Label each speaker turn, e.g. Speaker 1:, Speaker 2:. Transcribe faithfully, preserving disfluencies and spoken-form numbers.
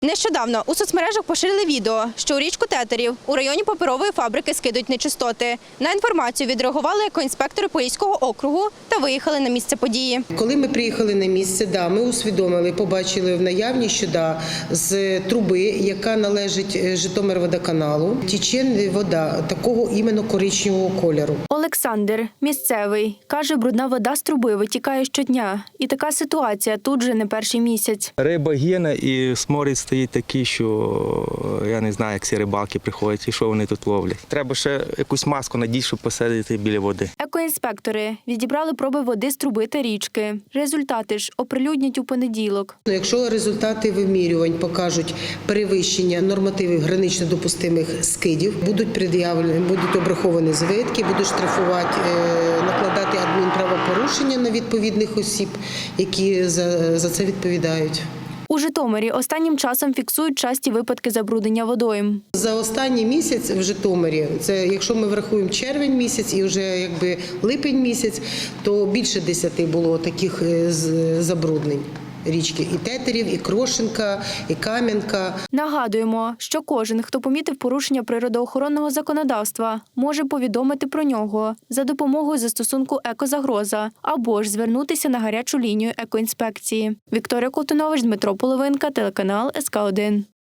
Speaker 1: Нещодавно у соцмережах поширили відео, що у річку Тетерів у районі паперової фабрики скидуть нечистоти. На інформацію відреагували екоінспектори Поліського округу та виїхали на місце події.
Speaker 2: Коли ми приїхали на місце, да, ми усвідомили, побачили в наявність, що да, з труби, яка належить Житомирводоканалу, тече вода такого іменно коричневого кольору.
Speaker 1: Олександр, місцевий, каже, брудна вода з труби витікає щодня. І така ситуація тут же не перший місяць.
Speaker 3: Риба гине і сморід стоїть такий, що я не знаю, як ці рибалки приходять і що вони тут ловлять. Треба ще якусь маску надіти, щоб посадити біля води.
Speaker 1: Екоінспектори відібрали проби води з труби та річки. Результати ж оприлюднять у понеділок.
Speaker 2: Якщо результати вимірювань покажуть перевищення нормативів гранично допустимих скидів, будуть пред'явлені, будуть обраховані звитки, будуть штрафувати, накладати адмінправопорушення на відповідних осіб, які за, за це відповідають.
Speaker 1: У Житомирі останнім часом фіксують часті випадки забруднення водойм.
Speaker 2: За останній місяць в Житомирі, це якщо ми врахуємо червень місяць і вже якби липень місяць, то більше десяти було таких забруднень річки. І Тетерів, і Крошенка, і Кам'янка.
Speaker 1: Нагадуємо, що кожен, хто помітив порушення природоохоронного законодавства, може повідомити про нього за допомогою застосунку «Екозагроза» або ж звернутися на гарячу лінію екоінспекції. Вікторія Колтунович, Дмитро Половинка, телеканал ес ка один.